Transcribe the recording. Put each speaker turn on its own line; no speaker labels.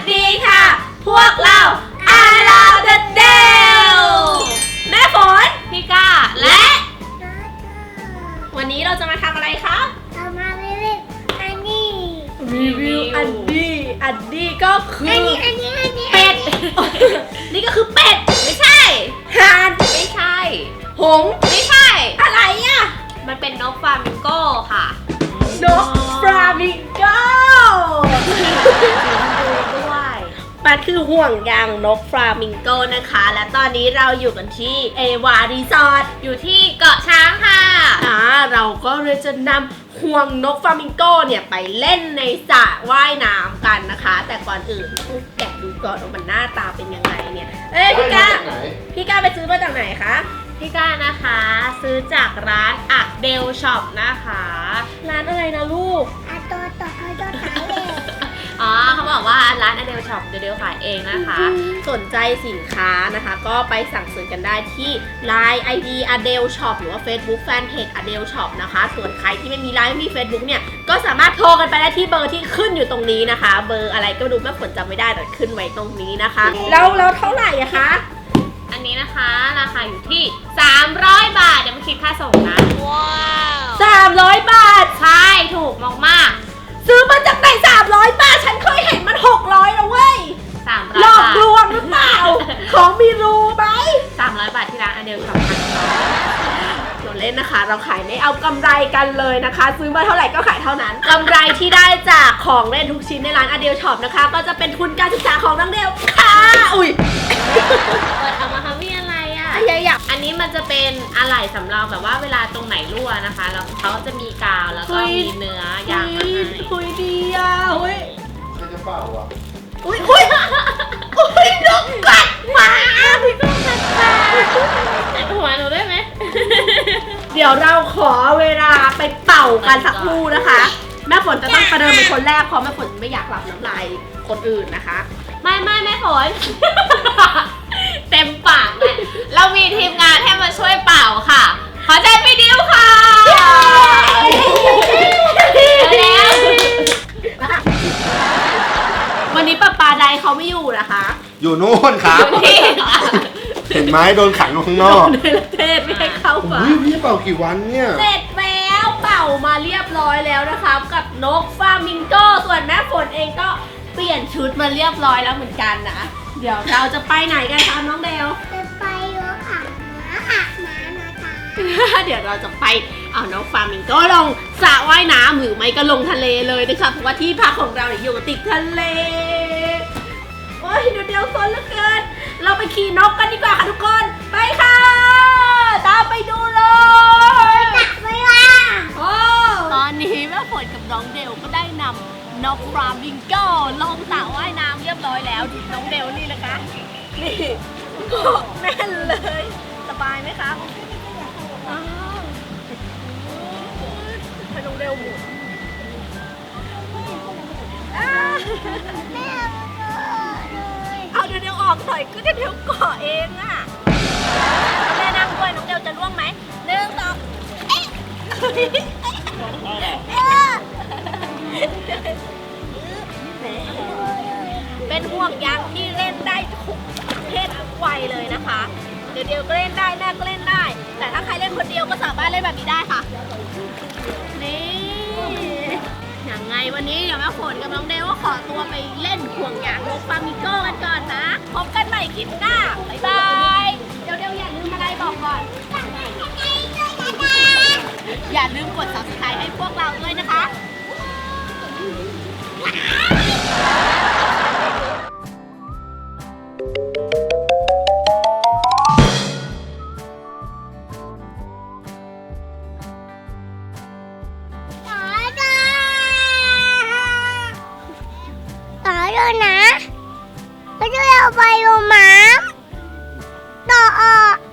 ดีค่ะพวกเราอาราเดอะเดลแม่ฝนพี่ก้าและวันนี้เราจะมาทำอะไรครับ
มาเล่นอันนี้
รีวิวอันนี้ก็คือ
อันนี้
เป็ดนี่ก็คือเป็ดไม่ใช่ห่านไม่ใช่หงส์ไม่ใช่อะไรอ่ะมันเป็นนกฟลามิงโก้ค่ะนกฟลามิงโก้ด้วยมันคือห่วงยางนกฟลามิงโก้นะคะและตอนนี้เราอยู่กันที่เอวารีสอร์ทอยู่ที่เกาะช้างค่ะเราก็เลยจะนำห่วงนกฟลามิงโก้เนี่ยไปเล่นในสระว่ายน้ำกันนะคะแต่ก่อนอื่นแกะดูก่อนว่ามันหน้าตาเป็นยังไงเนี่ยพี่ก้าไปซื้อมาจากไหนคะพี่ก้านะคะซื้อจากร้านอะเดลช็อปนะคะร้านอะไรนะลูก
ตัวเขาจะขายเอง
เขาบอกว่าร้านอเดลช็อปเดลขายเองนะคะสนใจสินค้านะคะก็ไปสั่งซื้อกันได้ที่ Line ID อเดลช็อปหรือว่า Facebook Fanpage อเดลช็อปนะคะส่วนใครที่ไม่มี Line ไม่มี Facebook เนี่ยก็สามารถโทรกันไปได้ที่เบอร์ที่ขึ้นอยู่ตรงนี้นะคะเบอร์อะไรก็ดูแม่ฝนจำไม่ได้แต่ขึ้นไว้ตรงนี้นะคะแล้วเท่าไหร่อะคะอันนี้นะคะราคาอยู่ที่300 บาทยังไม่คิดค่าส่งนะว้าว300 บาทใช่ถูกมากๆซื้อมาจากไหน300 บาทฉันเคยเห็นมัน600แล้วเว้ย300หลอกลวงหรือเปล่า ของมีรูไหม300 บาทที่ร้านอเดลช็อปเราเล่นนะคะเราขายไม่เอากำไรกันเลยนะคะซื้อมาเท่าไหร่ก็ขายเท่านั้นกำไรที่ได้จากของเล่นทุกชิ้นในร้านอเดลช็อปนะคะก็จะเป็นทุนการศึกษาของน้องเดลค่ะอุ้ยเปิดเอามาทำมีอะไรอ่ะอันนี้มันจะเป็นอะไหล่สำรองแบบว่าเวลาตรงไหนรั่วนะคะแล้วเขาจะมีกาวแล้วก็มีเนื้อยางมาให้คุยดีอ่ะอุ้ย
ใครจะเปล่าอ่ะ
อุ้ยนกกัดหมาพี่นกกัดหมาหัวหนูได้ไหมเดี๋ยวเราขอเวลาไปเป่ากันสักครู่นะคะแม่ฝนจะต้องประเดิมเป็นคนแรกเพราะแม่ฝนไม่อยากหลับน้ำลายคนอื่นนะคะไม่แม่ฝนเต็มปากเลยเรามีทีมงานให้มาช่วยเป่าค่ะขอใจพี่ดิวค่ะแล้ววันนี้ป้าใดเขาไม่อยู่นะคะ
อยู่นู่นครับเห็นไหมโดนขังอยู่ข้างนอก
ในประเทศไม่ให้เข้ามา
พี่เป่ากี่วันเนี่ย
เสร็จแล้วเป่ามาเรียบร้อยแล้วนะคะกับนกฟลามิงโก้ส่วนแม่ฝนเองก็เปลี่ยนชุดมาเรียบร้อยแล้วเหมือนกันนะเดี๋ยวเราจะไปไหนกันคะน้องเดล
จะไปรถอาบน้ำ
นะคะเดี๋ยวเราจะไปเอาน้องฟลามิงโก้ลงสระว่ายน้ำหรือไม่ก็ลงทะเลเลยนะคะเพราะว่าที่พักของเราอยู่ติดทะเลโอ้ยเดี๋ยวซนเหลือเกินเราไปขี่นกกันดีกว่าค่ะทุกคนไปค่ะตามไปดูเลย
ไปว่า
ตอนนี้แม่ฝนกับน้องเดลก็ได้นำนกฟลามิงโก้ลงสระว่ายน้ำเรียบร้อยแล้วน้องเดลนี่นะคะนี่เกาะแน่นเลยสบายไหมคะไปน้องเดลหมุน
แม่
เอาเดี๋ยวออกหน่อยก็เดี๋ยวเกาะเองอ่ะแม่นั่งด้วยน้องเดลจะร่วงไหม1 2เป็นห่วงยางที่เล่นได้ทุกเพศทุกวัยเลยนะคะเดี๋ยวก็เล่นได้แม่ก็เล่นได้แต่ถ้าใครเล่นคนเดียวก็สามารถเล่นแบบนี้ได้ค่ะนี่อย่างไงวันนี้เดี๋ยวแม่ฝนกับน้องเดลก็ขอตัวไปเล่นห่วงยางนกฟลามิงโก้กันก่อนนะพบกันใหม่คลิปหน้าบ๊ายบายเดี๋ยวอย่าลืมอะไรบอกก่อนอย่าลืมกด Subscribe ให้พวกเราด้วยนะคะ
ต่อด้วยนะไม่ใช่เอาไปลงน้ำต่อ